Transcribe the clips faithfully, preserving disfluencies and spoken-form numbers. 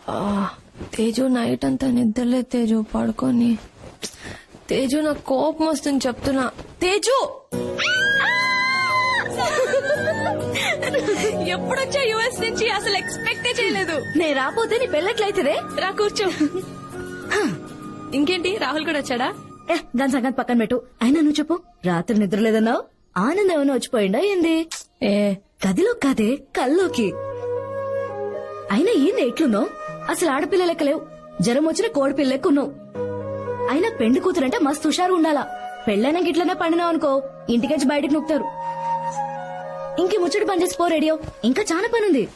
Teju night అంతా నిద్రలే తేజు పడుకొని. తేజు నాకు కోపం వస్తుంది చెప్తున్నా. తేజు ఎప్పుడొచ్చా యుఎస్ నుంచి? అసలు ఎక్స్పెక్టే చేయలేదు. నే రాపోతే నీ పెళ్ళట్లయితేదే. రా కూర్చో. ఇంకేంటి రాహుల్ కూడా వచ్చాడా? ఏ దాని సంగతి పక్కన పెట్టు. అయినా నువ్వు చెప్పు, రాత్రి నిద్ర లేదన్నావు. ఆనందం ఏమైనా వచ్చిపోయిందా ఏంది? ఏ గదిలో కాదే కల్లోకి. అయినా ఏంది ఎట్లున్నావు? అసలు ఆడపిల్ల లెక్క లేవు. జ్వరం వచ్చిన కోడిపిల్ల లెక్క ఉన్నావు. అయినా పెండి కూతురంటే మస్తు హుషారు ఉండాలా. పెళ్ళైనా గిట్లనే పండినావు అనుకో ఇంటికెచ్చి బయటకు నొక్కుతారు. ఇంకే ముచ్చటి పని చేసి పో రేడియో, ఇంకా చాలా పని ఉంది.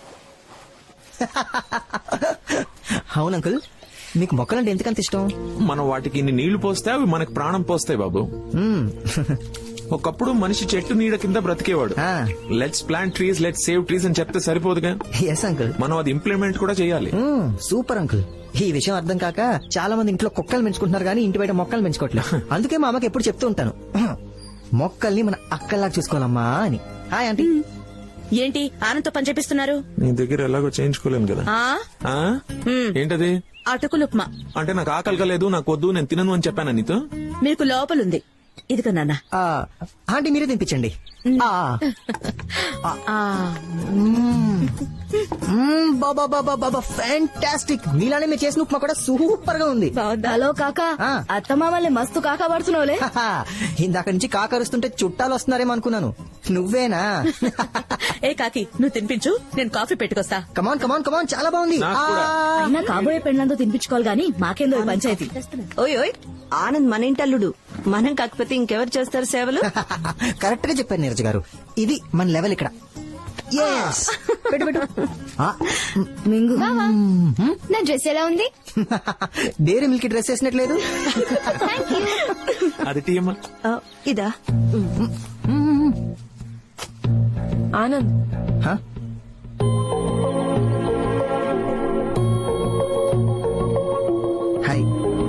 అవును అంకుల్, మీకు మొక్కలంటే ఎందుకంత ఇష్టం? మనం వాటికి ఇన్ని నీళ్లు పోస్తే అవి మనకు ప్రాణం పోస్తాయి బాబు. ఒకప్పుడు మనిషి చెట్టు నీడ కింద బ్రతికేవాడు. Let's plant trees, let's save trees అని చెప్తే సరిపోదుగా. ఎస్ అంకుల్, మనం అది ఇంప్లిమెంట్ కూడా చేయాలి. Super uncle. ఈ విషయం అర్థం కాక చాలా మంది ఇంట్లో కుక్కలు పెంచుకుంటున్నారు కానీ ఇంటి బయట మొక్కలు పెంచుకోవట్లేదు. అందుకే మా అమ్మకి ఎప్పుడు చెప్తూ ఉంటాను, మొక్కల్ని మన అక్కల్లాగా చూసుకోవాలమ్మా అని. Hi aunty. ఏంటి ఆనంతో పని చేపిస్తున్నారు? నీ దగ్గర ఎలాగో చేయించుకోలేను కదా. ఆ? ఏంటది? అటుకులు ఉప్మా. అంటే నాకు ఆకలి కలేదు, నాకు వద్దు, నేను తినను అని చెప్పాను నీతో. మీకు లోపలుంది, ఇదిగో నాన్న. ఆంటీ మీరే తినిపించండి. ఫ్యాంటాస్టిక్. మీలానే మీరు చేసిన ఉప్మా కూడా సూపర్ గా ఉంది. హలో కాకా, అత్తమామల్ని మస్తు కాకా పడుతున్నావులే. ఇందాక నుంచి కాకరుస్తుంటే చుట్టాలు వస్తున్నారేమో అనుకున్నాను. నువ్వేనా? ఏ కాకి, నువ్వు తినిపించు, నేను కాఫీ పెట్టుకొస్తా. కమాన్ కమాన్ కమాన్, చాలా బాగుంది. అయినా కాబోయే పెళ్ళంతో తినిపించుకోవాలి గానీ మాకేందో పంచాయతీ. ఓయ్ ఓయ్, ఆనంద్ మన ఇంటల్లుడు. మనం కాకపోతే ఇంకెవరు చేస్తారు సేవలు? కరెక్ట్ గా చెప్పారు నీరజ్ గారు. ఇది మన లెవెల్ ఇక్కడ. పెట్టు పెట్టు. మింగు నా డ్రెస్ ఎలా ఉంది? డైరీ మిల్క్ డ్రెస్ వేసినట్లేదు. అది టీయమ్మా. ఇదా ఆనంద్. హాయ్.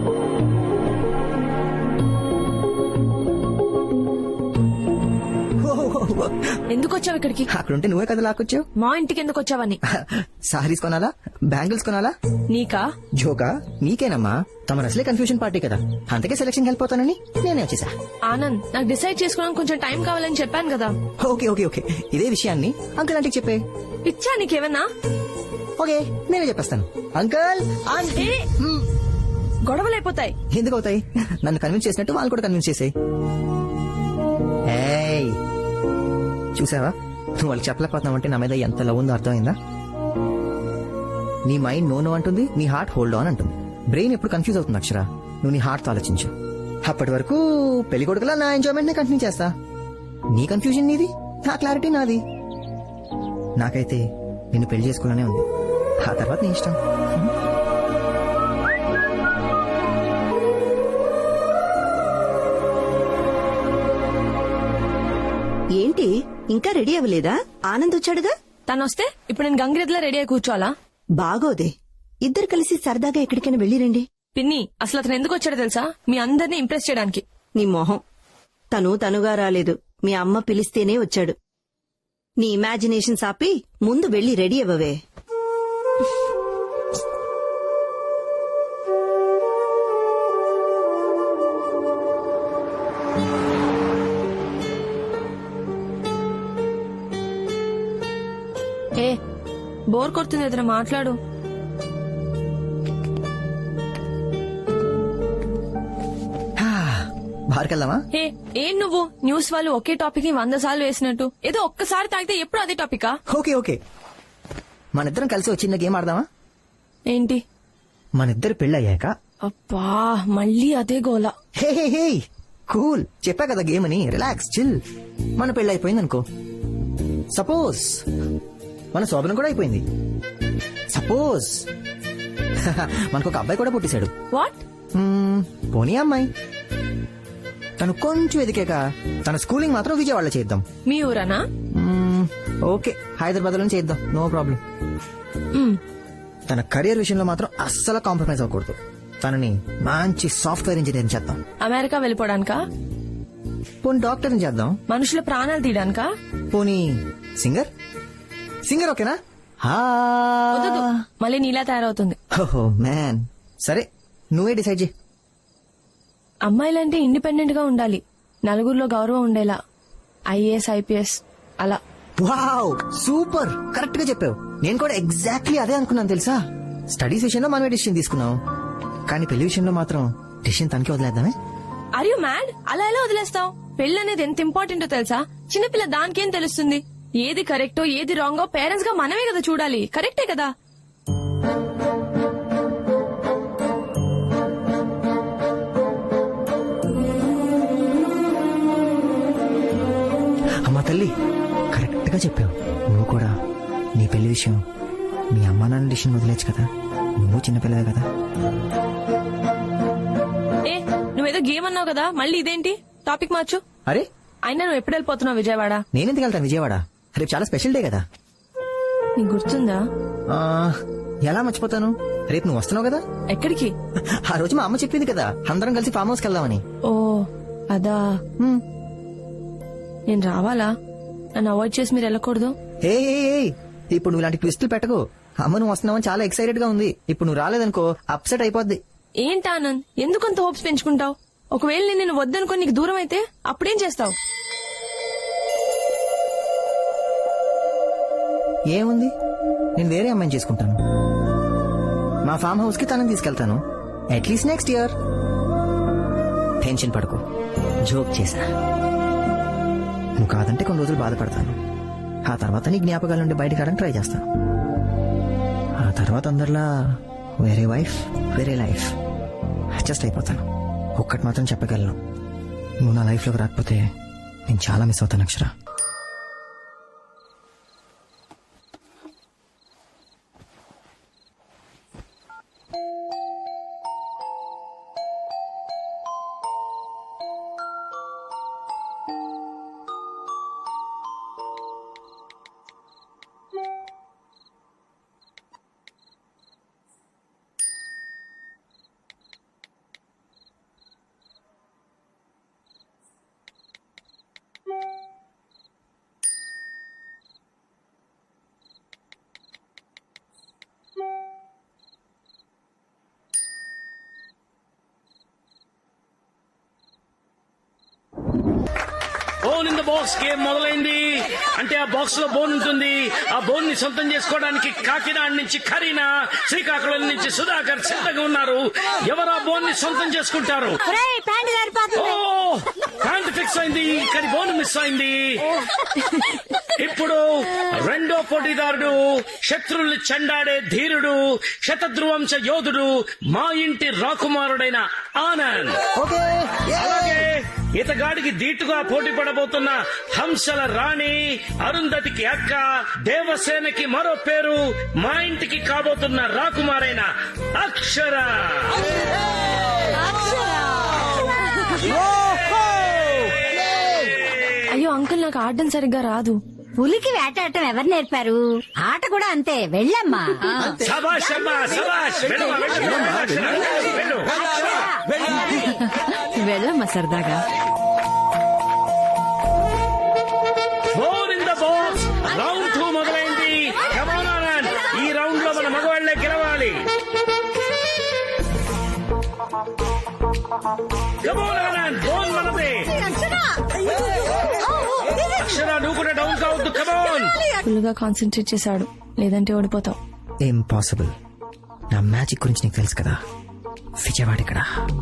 ఎందుకు వచ్చావు ఇక్కడికి? అక్కడుంటే నువ్వే కదా లాక్కొచ్చావు. మా ఇంటికి ఎందుకు వచ్చావని? సారీస్ కొనాలా, బ్యాంగిల్స్ కొనాలా? నీకా? జోకా? నీకేనమ్మా. తమ అసలే కన్ఫ్యూజన్ పార్టీ కదా, అందుకే సెలక్షన్ వెళ్ళిపోతానని నేనే వచ్చేసా. ఆనంద్, నాకు డిసైడ్ చేసుకోవడానికి కొంచెం టైం కావాలని చెప్పాను కదా. ఓకే ఓకే ఓకే, ఇదే విషయాన్ని అంకుల్ ఆంటీకి చెప్పే. ఇచ్చా నీకేమన్నా? ఓకే, నేనే చెప్పేస్తాను. Uncle aunty. గొడవలు అయిపోతాయి. ఎందుకు అవుతాయి? నన్ను కన్విన్స్ చేసినట్టు వాళ్ళు కూడా కన్విన్స్ చేసాయి. చూసావా, నువ్వు వాళ్ళకి చెప్పలేకపోతున్నావంటే నా మీద ఎంత లవ్ ఉందో అర్థమైందా? నీ మైండ్ నో నో అంటుంది, నీ హార్ట్ హోల్డ్ ఆన్ అంటుంది. బ్రెయిన్ ఎప్పుడు కన్ఫ్యూజ్ అవుతుంది అక్షర. నువ్వు నీ హార్ట్ తో ఆలోచించు. అప్పటి వరకు పెళ్లి కొడుకులా నా ఎంజాయ్మెంట్ నే కంటిన్యూ చేస్తా. నీ కన్ఫ్యూజన్ నీది, నా క్లారిటీ నాది. నాకైతే నిన్ను పెళ్లి చేసుకోవాలనే ఉంది. ఆ తర్వాత నీ ఇష్టం. ఏంటి ఇంకా రెడీ అవ్వలేదా? ఆనంద్ వచ్చాడుగా. తను వస్తే ఇప్పుడు నేను గంగిరెద్దులా రెడీ అయి కూర్చోవాలా? బాగోదే, ఇద్దరు కలిసి సరదాగా ఎక్కడికైనా వెళ్ళిరండి. పిన్ని, అసలు అతను ఎందుకు వచ్చాడో తెలుసా? మీ అందరినీ ఇంప్రెస్ చేయడానికి. నీ మొహం. తను తనుగా రాలేదు, మీ అమ్మ పిలిస్తేనే వచ్చాడు. నీ ఇమాజినేషన్ ఆపి ముందు వెళ్లి రెడీ అవ్వవే. ఏ బోర్ కొడుతుంది, ఎదురు మాట్లాడు. బార్కెళ్దామా? ఏ ఏం నువ్వు న్యూస్ వాళ్ళు ఒకే టాపిక్ ని వంద సార్లు వేసినట్టు ఏదో ఒక్కసారి తాగితే ఎప్పుడు అదే టాపికా? ఓకే ఓకే, మనిద్దరం కలిసి వచ్చిన గేమ్ ఆడదామా? ఏంటి? మనిద్దరు పెళ్ళయ్యాక. అబ్బా మళ్ళీ అదే గోలా. Hey hey hey, cool. చెప్పా కదా గేమ్ అని, రిలాక్స్ చిల్. మన పెళ్ళి అయిపోయింది అనుకో. సపోజ్ మన శోభనం కూడా అయిపోయింది. సపోజ్ మనకు ఒక అబ్బాయి కూడా పుట్టేశాడు. వాట్? పోనీ అమ్మాయి. తను కొంచెం ఎదికాక తన స్కూలింగ్ మాత్రం విజయవాడలో చేద్దాం. మీ ఊరనా? ఓకే, హైదరాబాద్ లో చేద్దాం, నో ప్రాబ్లం. తన కెరీర్ విషయంలో మాత్రం అస్సలు కాంప్రమైజ్ అవ్వకూడదు. తనని మంచి సాఫ్ట్వేర్ ఇంజనీర్ చేద్దాం. అమెరికా వెళ్ళిపోవడానికా? పోనీ డాక్టర్ చేద్దాం. మనుషుల ప్రాణాలు తీయడానికా? పోనీ సింగర్. సింగర్ ఓకేనా? వద్దు, మళ్ళీ నీలా తయారవుతుంది. ఓహో మ్యాన్, సరే నువ్వే డిసైడ్ చేయి. అమ్మాయిలంటే ఇండిపెండెంట్ గా ఉండాలి, నలుగురిలో గౌరవం ఉండేలా, ఐఏఎస్ ఐపీఎస్ అలా. వావ్ సూపర్, కరెక్ట్ గా చెప్పావు. నేను కూడా ఎగ్జాక్ట్లీ అదే అనుకున్నాను తెలుసా. స్టడీస్ విషయంలో మనమే డిసిషన్ తీసుకున్నాం, కానీ పెళ్లి విషయంలో మాత్రం డిసిషన్ తనకే వదిలేద్దామే. Are you mad? అలా ఎలా వదిలేస్తావు? పెళ్లి అనేది ఎంత ఇంపార్టెంటో తెలుసా? చిన్నపిల్ల దానికేం తెలుస్తుంది? ఏది కరెక్టో ఏది రాంగో పేరెంట్స్ గా మనమే కదా చూడాలి. కరెక్టే కదా? అమ్మా తల్లి, కరెక్ట్ గా చెప్పావు. నువ్వు కూడా నీ పెళ్లి విషయం మీ అమ్మా నాన్న డిసిషన్ వదిలేచ్చు కదా, నువ్వు చిన్నపిల్లవే కదా. ఏ నువ్వేదో గేమ్ అన్నావు కదా, మళ్ళీ ఇదేంటి? టాపిక్ మార్చు. అరే అయినా నువ్వు ఎప్పుడు వెళ్ళిపోతున్నావు విజయవాడ? నేనెందుకు వెళ్తాను విజయవాడ, రేపు చాలా స్పెషల్ డే కదా. నీకు గుర్తుందా? ఆ, ఎలా మర్చిపోతాను, రేపు నువ్వు వస్తున్నావు కదా. ఎక్కడికి? ఆ రోజు మా అమ్మ చెప్పింది కదా అందరం కలిసి ఫామ్ హౌస్కి వెళ్దామని. ఓ అదా. హ్మ్. నేను రావాలా? నన్ను అవాయిడ్ చేసి మీరు వెళ్ళకూడదు. ఏ ఏ, ఏ, ఇప్పుడు నువ్వు ఇలాంటి ట్విస్టులు పెట్టకు. అమ్మ నువ్వు వస్తున్నావని చాలా ఎక్సైటెడ్ గా ఉంది. ఇప్పుడు నువ్వు రాలేదనుకో అప్సెట్ అయిపోద్ది. ఏంటి ఆనంద్, ఎందుకంత హోప్స్ పెంచుకుంటావు? ఒకవేళ నేను నిన్ను వద్దనుకొని నీకు దూరం అయితే అప్పుడేం చేస్తావు? ఏముంది, నేను వేరే అమ్మాయిని చేసుకుంటాను. మా ఫామ్ హౌస్ కి తనని తీసుకెళ్తాను, అట్లీస్ట్ నెక్స్ట్ ఇయర్. టెన్షన్ పడుకో, జోక్ చేశా. నువ్వు కాదంటే కొన్ని రోజులు బాధపడతాను, ఆ తర్వాత నీ జ్ఞాపకాల నుండి బయటకు రావడానికి ట్రై చేస్తాను. ఆ తర్వాత అందరిలా వేరే వైఫ్ వేరే లైఫ్ అడ్జస్ట్ అయిపోతాను. ఒక్కటి మాత్రం చెప్పగలను, నువ్వు నా లైఫ్ లోకి రాకపోతే నేను చాలా మిస్ అవుతాను Akshara. Bone in the box game మొదలైంది. అంటే ఆ బాక్స్ లో బోన్ ఉంటుంది. ఆ బోన్ ని సొంతం చేసుకోవడానికి కాకినాడ నుంచి కరీనా, శ్రీకాకుళం నుంచి సుధాకర్ సిద్ధంగా ఉన్నారు. ఎవరు ఆ బోన్ ని సొంతం చేసుకుంటారు? ఓ ప్యాంట్ ఫిక్స్ అయింది, కానీ బోన్ మిస్ అయింది. ఇప్పుడు రెండో పోటీదారుడు, శత్రుల్ని చెండాడే ధీరుడు, శతధ్రువంశ యోధుడు, మా ఇంటి రాకుమారుడైన ఆనంద్. అలాగే ఇతగాడికి ధీటుగా పోటీ పడబోతున్న హంసల రాణి, అరుంధతికి అక్క, దేవసేనకి మరో పేరు, మా ఇంటికి కాబోతున్న రాకుమారైన అక్షర. అయ్యో అంకుల్, నాకు ఆడడం సరిగ్గా రాదు. పులికి వేటాడటం ఎవరు నేర్పారు? ఆట కూడా అంతే, వెళ్ళమ్మా. సబాష్ అమ్మా, సబాష్. వెళ్ళు, వెళ్ళు, వెళ్ళు. వెళ్ళమ్మా సరదాగా. Four in the box round two మొదలైంది. Come on, ఆనంద్, ఈ రౌండ్ లో మన మగవాళ్లే గెలవాలి. Come on, ఆనంద్, బోన్ మనదే. అక్షర, నువ్వు కూడా డౌన్ కావద్దు. Come on. ఫుల్ గా కాన్సన్ట్రేట్ చేశాడు, లేదంటే ఓడిపోతావు. ఇంపాసిబుల్. నా మ్యాజిక్ గురించి నీకు తెలుసు కదా. విజయవాడ ఇక్కడ.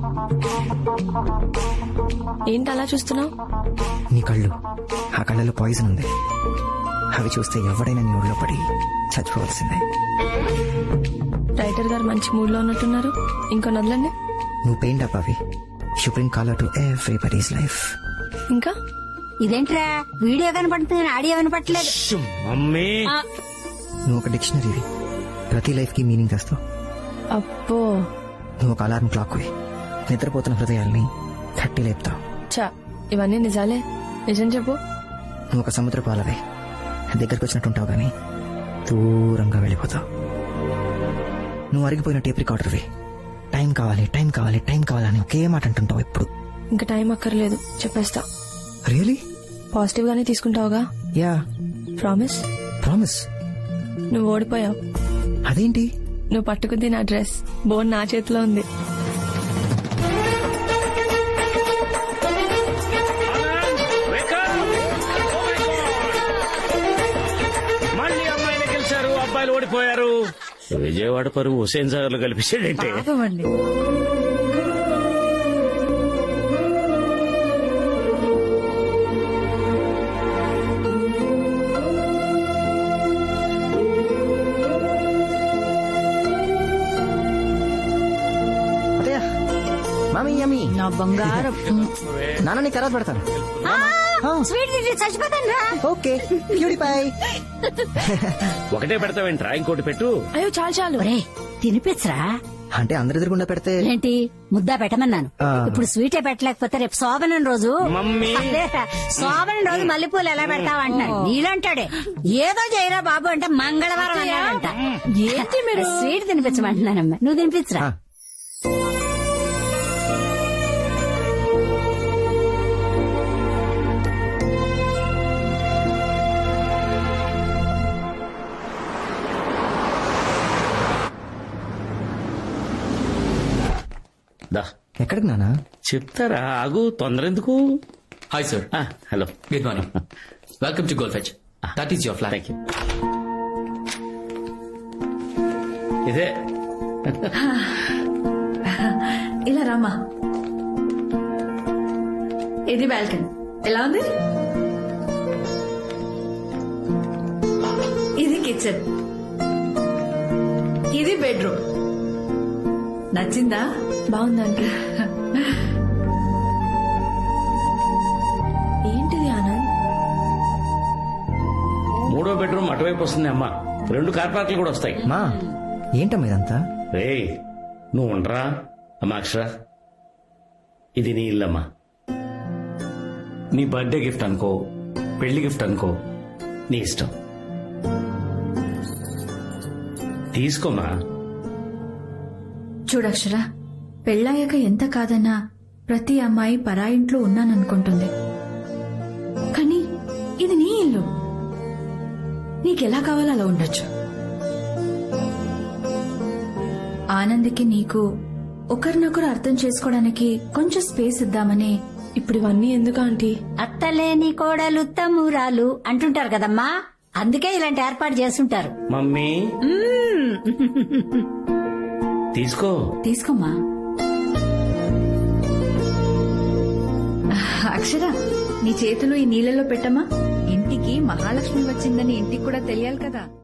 ఏంటి అలా చూస్తున్నావు? నీ కళ్ళు, ఆ కళ్ళలో పాయిజన్ ఉంది. అవి చూస్తే ఎవడైనా నీ ఊళ్ళో పడి చచ్చిపోవాల్సిందే. రైటర్ గారు మంచి మూడ్ లో ఉన్నట్టున్నారు, ఇంకో నదులండి. నువ్వు పెయింట్ అప్ అవి. You bring colour to everybody's life. ఇంకా ఇదేంట్రా వీడియో కనపడుతుంది, ఆడియో వినపట్లేదు. మమ్మీ, నువ్వు ఒక డిక్షనరీవి, ప్రతి లైఫ్ కి మీనింగ్ తెస్తావు. అబ్బో, నువ్వు ఒక అలారం క్లాక్ వి, నిద్రపోతున్న హృదయాల్ని తట్టి లేపుతావు. చా ఇవన్నీ నిజాలే. నిజం చెప్పు. నువ్వు ఒక సముద్ర పాలవే, దగ్గరకు వచ్చినట్టుంటావు గానీ దూరంగా వెళ్ళిపోతావు. నువ్వు అరిగిపోయిన టేప్ రికార్డర్వి, టైం కావాలి టైం కావాలి టైం కావాలని ఒకే మాట అంటుంటావు ఎప్పుడు. ఇంకా టైం అక్కర్లేదు, చెప్పేస్తా. రియలీ? పాజిటివ్ గానే తీసుకుంటావుగా? యా. ప్రామిస్? ప్రామిస్. నువ్వు ఓడిపోయావు. అదేంటి? నువ్వు పట్టుకుంది నా డ్రెస్, బోన్ నా చేతిలో ఉంది. Anand, wake up! Oh my God! మళ్ళీ అమ్మాయిలు గెలిచారు, అబ్బాయిలు ఓడిపోయారు. విజయవాడ పరువు హుసేన్ సాగర్ లో కల్పించాడంటే. అత్తయ్య, మామీ యమ్మీ. నా బంగారం నాన్న నీ తర్వాత పెడతాను. స్వీట్ తింటే చచ్చిపోతాను రా. Okay purify. ఒకటే పెడతావేంట్రా, ఇంకోటి పెట్టు. అయ్యో చాలు చాలు. ఒరే తినిపించరా. అంటే అందరి ఎదురుగుండా పెడితే ఏంటి ముద్దా పెట్టమన్నాను. ఆ. ఇప్పుడు స్వీటే పెట్టలేకపోతే రేపు శోభనం రోజు మమ్మీ. అదేరా, శోభనం రోజు మల్లెపూలు ఎలా పెడతావు అంటున్నాడు. నీలంటాడే ఏదో చేయరా బాబు అంటే మంగళవారం అన్నాడంట. ఏంటి మీరు? స్వీట్ తినిపించమంటున్నానమ్మా, నువ్వు తినిపించరా. ఆ. దా ఎక్కడికి నానా? చెప్తారా, ఆగు, తొందర ఎందుకు. Hi, sir. ఆ, hello. Good morning. Welcome to Golf Edge. That is your flat. Thank you. ఇదే ఇలా రామా. ఇది బాల్కనీ. ఎలా ఉంది? ఇది కిచెన్. ఇది బెడ్రూమ్. నచ్చిందా? బాగుందండి. ఏంటిది ఆనంద్? మూడో బెడ్రూమ్ అటువైపు వస్తుంది అమ్మా, రెండు కార్ పార్కులు కూడా వస్తాయి. మా ఏంటమ్మా ఇదంతా? రే నువ్వు ఉండరా అమ్మా. అక్షర, ఇది నీ ఇల్లమ్మా. నీ బర్త్డే గిఫ్ట్ అనుకో, పెళ్లి గిఫ్ట్ అనుకో, నీ ఇష్టం. తీసుకోమా. చూడక్షరా, పెళ్ళాయాక ఎంత కాదన్నా ప్రతి అమ్మాయి పరాయింట్లో ఉన్నాననుకుంటుంది. కానీ ఇది నీ ఇల్లు, నీకెలా కావాలో అలా ఉండొచ్చు. ఆనంద్కి నీకు ఒకరినొకరు అర్థం చేసుకోవడానికి కొంచెం స్పేస్ ఇద్దామని. ఇప్పుడు ఇవన్నీ ఎందుకు ఆంటీ? అత్తలేని కోడలు తమ్మురాలు అంటుంటారు కదమ్మా, అందుకే ఇలాంటి ఏర్పాటు చేస్తుంటారు. మమ్మీ తీసుకో. తీసుకోమ్మా. అక్షర, నీ చేతులు ఈ నీళ్ళలో పెట్టమ్మా. ఇంటికి మహాలక్ష్మి వచ్చిందని ఇంటికి కూడా తెలియాలి కదా.